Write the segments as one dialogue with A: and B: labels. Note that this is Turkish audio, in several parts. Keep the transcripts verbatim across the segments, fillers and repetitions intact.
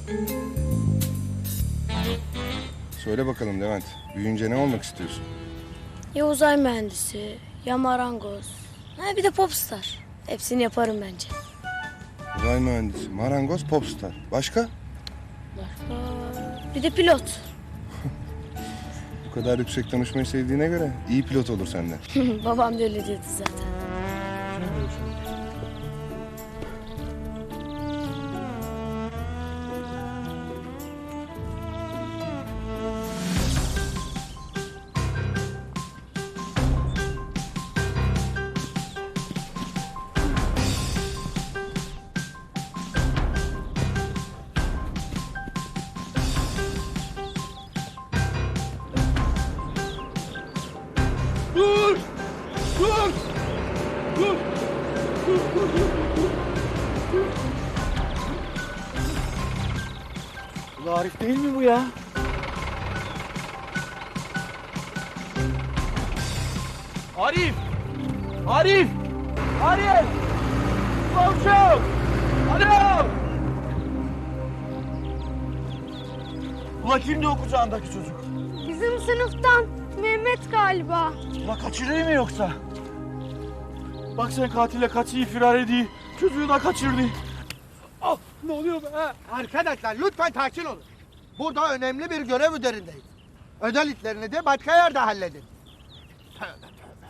A: Söyle bakalım Levent, büyüyünce ne olmak istiyorsun?
B: Ya uzay mühendisi, ya marangoz. Ha, bir de popstar. Hepsini yaparım bence.
A: Uzay mühendisi, marangoz, popstar. Başka?
B: Başka? Bir de pilot.
A: Bu kadar yüksek konuşmayı sevdiğine göre iyi pilot olur senden.
B: Babam da öyle diyordu zaten.
C: Dur! Dur! Dur! Dur, dur, dur, dur. Ulan Arif değil mi bu ya? Arif! Arif! Arif! Komşum! Alo! Ulan kimdi o kucağındaki çocuk?
D: Bizim sınıftan Mehmet galiba.
C: Ulan kaçırıyor mu yoksa? Bak sen katille kaçıyı firar ediyor. Çocuğu da kaçırdı. Ah, ne oluyor be?
E: Arkadaşlar lütfen sakin olun. Burada önemli bir görev üzerindeyiz. Özel işlerini de başka yerde halledin. Tövbe tövbe.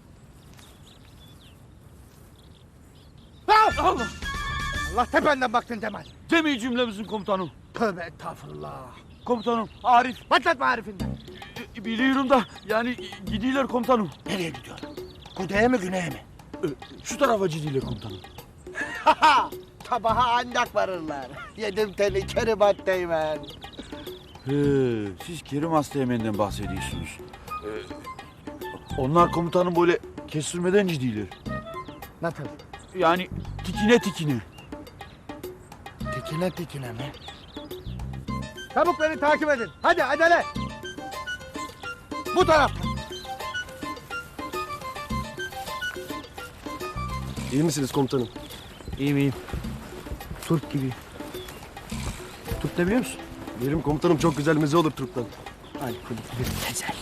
E: Ah!
C: Allah!
E: Allah tependen baktın Cemal.
C: Demeyi cümlemizin komutanım.
E: Tövbe estağfurullah.
C: Komutanım Arif.
E: Başlatma Arif'inden.
C: E, Biliyorum da yani gidiyorlar komutanım.
E: Nereye gidiyor? Kuzeye mi güneye mi?
C: E, Şu tarafa gidiyorlar komutanım.
E: Haha! Sabaha ancak varırlar. Yedim seni Keribat Teğmen.
C: He, siz Kerim Asteğmen'den bahsediyorsunuz. E, onlar komutanım böyle kestirmeden gidiyorlar.
E: Nasıl?
C: Yani tikine tikine.
E: Tikine tikine mi? Çabuk beni takip edin. Hadi acele. Bu taraftan.
F: İyi misiniz komutanım?
C: İyiyim iyiyim. Turp gibi. Turp ne biliyor musun?
F: Benim komutanım çok güzel meze olur Türk'ten.
C: Ay kulüp bir tezel.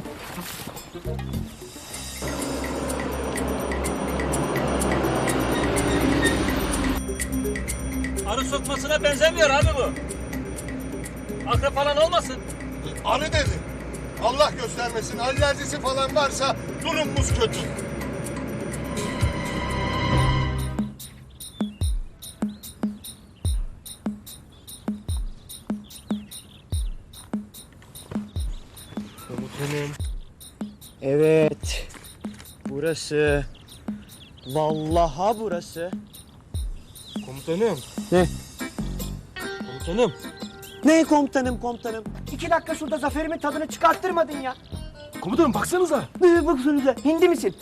G: Arı sokmasına benzemiyor abi bu. Akrep falan olmasın.
H: Arı dedi. Allah göstermesin. Alerjisi falan varsa durumumuz kötü.
I: Evet. Burası. Vallaha burası.
F: Komutanım.
I: Ne?
F: Komutanım.
I: Ne komutanım komutanım? İki dakika şurada zaferimin tadını çıkarttırmadın ya.
F: Komutanım baksanıza.
I: Ne baksanıza? Hindi misin?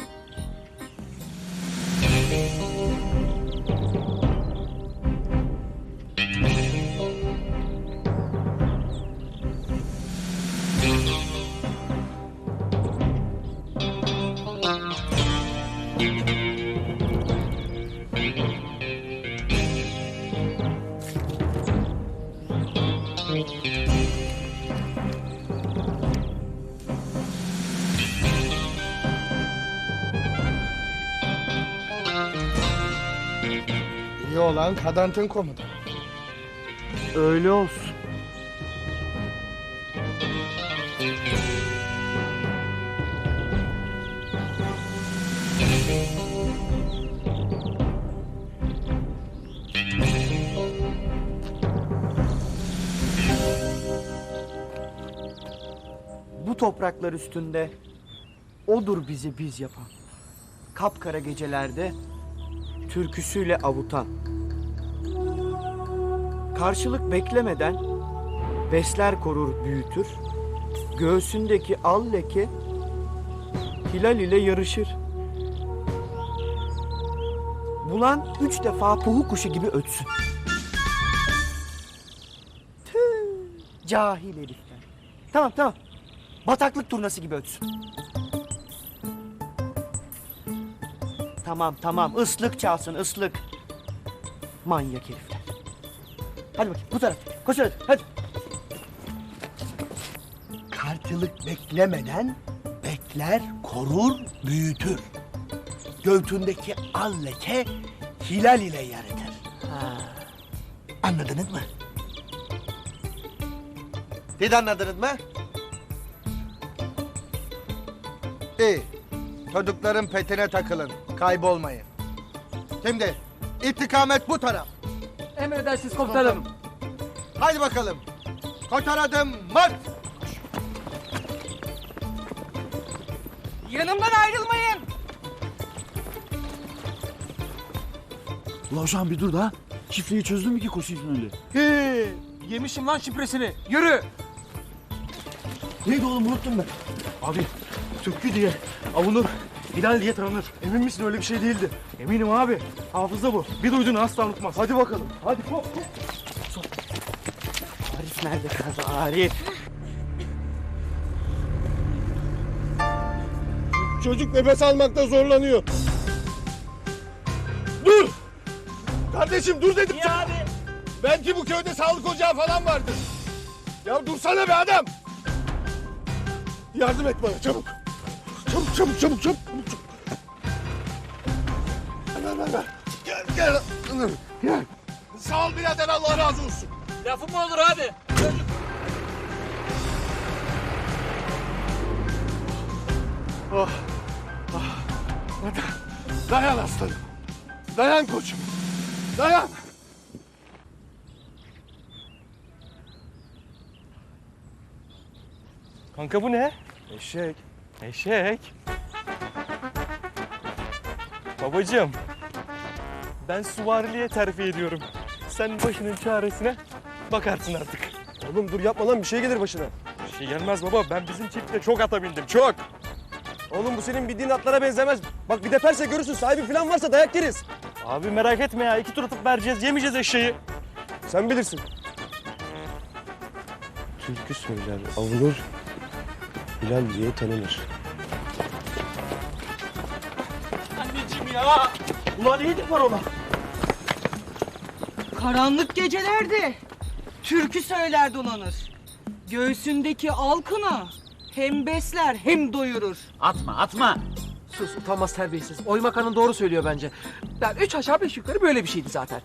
E: İyi olan kadantın komutanı.
C: Öyle olsun.
I: Bu topraklar üstünde odur bizi biz yapan. Kapkara gecelerde türküsüyle avutan. Karşılık beklemeden besler korur büyütür. Göğsündeki al leke hilal ile yarışır. Bulan üç defa puhu kuşu gibi ötsün. Tüh, cahil herifler. Tamam tamam. Bataklık turnası gibi ötsün. Tamam tamam ıslık çalsın ıslık. Manyak herifler. Hadi bakayım bu taraf. Koş hadi. Hadi.
E: Kartılık beklemeden bekler, korur, büyütür. Göğtündeki al leke hilal ile yaratır.
I: Ha.
E: Anladınız mı? Siz anladınız mı? İyi. Çocukların petine takılın. Kaybolmayın. Şimdi istikamet bu taraf.
I: Emredersiniz komutanım.
E: Haydi bakalım. Koşar adım marş.
I: Yanımdan ayrılmayın.
C: Ulan hocam bir dur da. Şifreyi çözdün mü ki koşuyorsun öyle?
I: He, yemişim lan şifresini. Yürü.
C: Neydi oğlum unuttum ben. Abi Türkü diye avunur, Hilal diye tanınır. Emin misin öyle bir şey değildi? Eminim abi. Hafıza bu. Bir duyduğunu asla unutmaz. Hadi bakalım. Hadi hop hop.
I: Arif nerede kaldı Arif?
H: Çocuk nefes almakta zorlanıyor. Dur! Kardeşim dur dedim.
G: Niye abi?
H: Belki bu köyde sağlık ocağı falan vardır. Ya dursana be adam. Yardım et bana çabuk. Çabuk çabuk çabuk çabuk. çabuk. Ver ver ver. Gel gel. Gel. Sağ ol birader Allah razı olsun.
G: Lafı mı olur abi? Çocuk.
H: Oh. Oh. Hadi. Dayan aslanım. Dayan koçum. Dayan.
F: Kanka bu ne? Eşek. Eşek. Babacığım. Ben suvariliğe terfi ediyorum. Sen başının çaresine bakarsın artık.
A: Oğlum dur yapma lan bir şey gelir başına.
F: Bir şey gelmez baba. Ben bizim çiftle çok ata bindim. Çok.
A: Oğlum bu senin bildiğin atlara benzemez. Bak bir deperse görürsün sahibi falan varsa dayak yeriz.
F: Abi merak etme ya. İki tur atıp vereceğiz. Yemeyeceğiz eşeği.
A: Sen bilirsin. Türkü söyler, avunur, Hilal diye tanınır.
G: Anneciğim ya.
C: Ulan neydi parola?
J: Karanlık gecelerde türkü söyler dolanır. Göğsündeki alkına hem besler hem doyurur.
I: Atma atma. Sus utanmaz terbiyesiz. Oymak Hanım doğru söylüyor bence. Ben üç aşağı beş yukarı böyle bir şeydi zaten.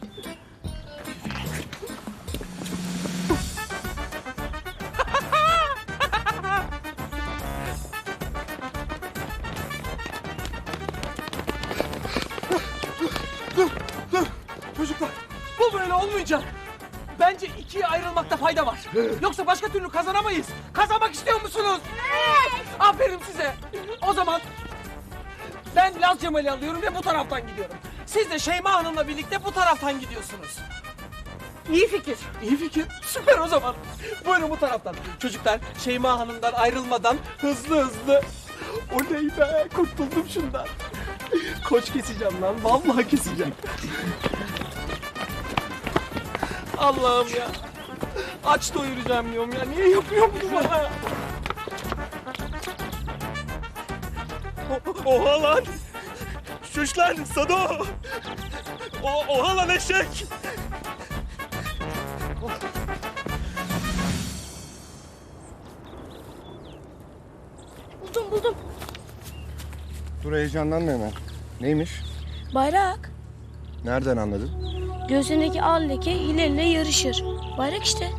I: Çocuklar bu böyle olmayacak. Bence ikiye ayrılmakta fayda var. Yoksa başka türlü kazanamayız. Kazanmak istiyor musunuz? Evet. Aferin size. O zaman ben Laz Cemal'i alıyorum ve bu taraftan gidiyorum. Siz de Şeyma Hanım'la birlikte bu taraftan gidiyorsunuz. İyi fikir. İyi fikir. Süper o zaman. Buyurun bu taraftan. Çocuklar Şeyma Hanım'dan ayrılmadan hızlı hızlı. Oley be kurtuldum şundan. Koç keseceğim lan. Vallahi keseceğim. Allah'ım ya. Aç doyuracağım diyorum ya. Niye yapıyor bunu bana?
F: O- Oha lan. Şuş lan Sado. O oha lan eşek.
B: Buldum buldum.
A: Dur heyecanlanma hemen. Neymiş?
B: Bayrak.
A: Nereden anladın?
B: Göğsündeki al leke hilalle yarışır. Bayrak işte.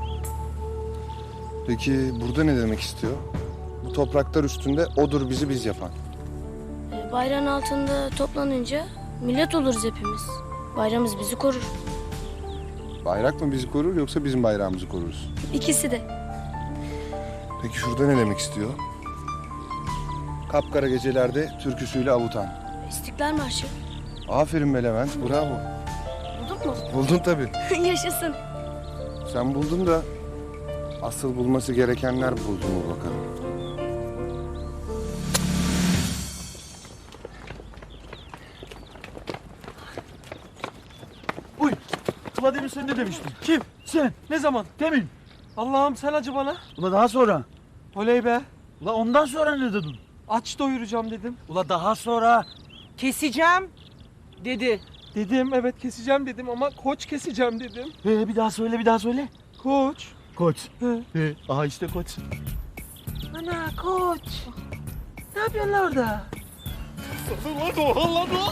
A: Peki burada ne demek istiyor? Bu topraklar üstünde odur bizi biz yapan.
B: Ee, Bayrağın altında toplanınca millet oluruz hepimiz. Bayrağımız bizi korur.
A: Bayrak mı bizi korur yoksa bizim bayrağımızı koruruz?
B: İkisi de.
A: Peki şurada ne demek istiyor? Kapkara gecelerde türküsüyle avutan.
B: İstiklal Marşı.
A: Aferin be Levent, bravo.
B: Bulduk mu?
A: Buldun tabii.
B: Yaşasın.
A: Sen buldun da asıl bulması gerekenler buldu mu bakalım.
C: Uy. Ulan demin sen ne demiştin? Kim? Sen. Ne zaman? Demin.
I: Allah'ım sen acı bana.
C: Ulan daha sonra.
I: Oley be.
C: Ulan ondan sonra ne dedin?
I: Aç doyuracağım dedim.
C: Ulan daha sonra.
J: Keseceğim dedi.
I: Dedim evet keseceğim dedim ama koç keseceğim dedim.
C: Ee, bir daha söyle bir daha söyle.
I: Koç.
C: Koç.
I: He.
C: Ee, aha işte koç.
I: Ana koç. Ne yapıyorsun lan orada?
F: Lan oha lan o.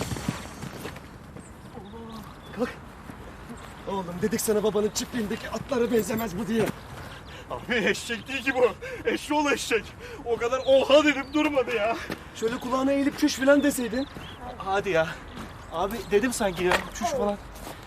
C: Oğlum dedik sana babanın çiftliğindeki atlara benzemez bu diye.
F: Abi eşek değil ki bu. Eşşoğlu eşek. O kadar oha dedim durmadı ya.
C: Şöyle kulağına eğilip çüş falan deseydin.
F: Hadi ya. Abi dedim sanki ya. Çüş falan.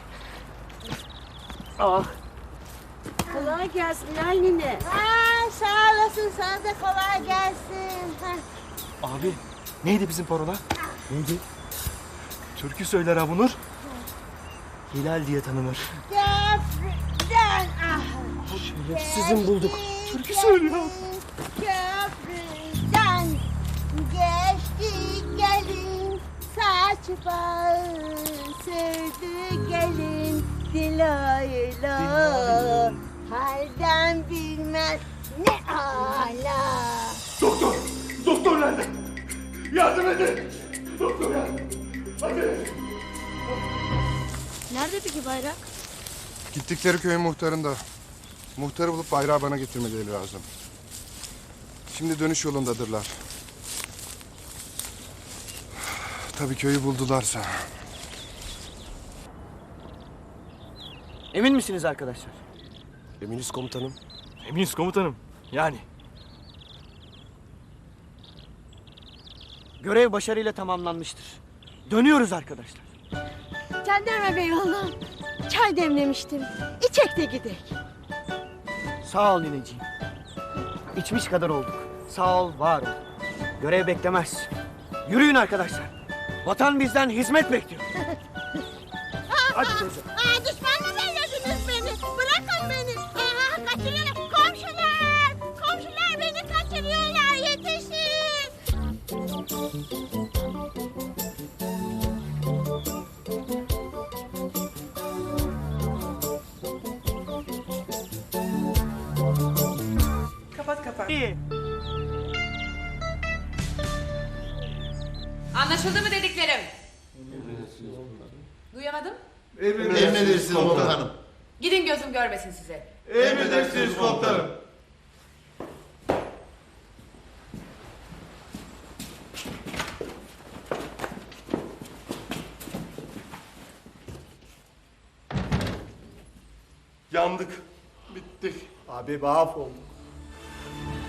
D: Kolay gelsin Nalnine. Aa, sağ olasın, sana da kolay gelsin.
C: Abi neydi bizim parola? Neydi? Türkü söyler Avunur. Hilal diye tanınır.
D: Köprüden ah.
C: Sizin bulduk.
D: Türkü söylüyor. Köprüden geçti gelin, saç bağı sürdü gelin, diloyla halden bilmez ne ala.
F: Doktor! Doktor nerede? Yardım edin! Doktor ya! Hadi!
B: Nerede peki bayrak?
A: Gittikleri köyün muhtarında. Muhtarı bulup bayrağı bana getirmeleri lazım. Şimdi dönüş yolundadırlar. Tabii köyü buldularsa.
C: Emin misiniz arkadaşlar?
H: Eminiz komutanım.
C: Eminiz komutanım. Yani. Görev başarıyla tamamlanmıştır. Dönüyoruz arkadaşlar.
D: Jandarma bey oğlum, çay demlemiştim. İçek de gidek.
C: Sağ ol nineciğim. İçmiş kadar olduk. Sağ ol, var ol. Görev beklemez. Yürüyün arkadaşlar. Vatan bizden hizmet bekliyor. Hadi teyze.
D: Aa, düşman mı bellediniz beni? Bırakın beni. Aa, kaçırıyorlar. Komşular! Komşular beni kaçırıyorlar. Yetişin!
J: Kapat kapat.
C: İyi.
K: Anlaşıldı mı dediklerim? Duyamadım.
H: Emredersiniz komutanım.
K: Gidin gözüm görmesin size.
H: Emredersiniz komutanım.
F: Yandık. Bittik.
H: Abi mahvolduk.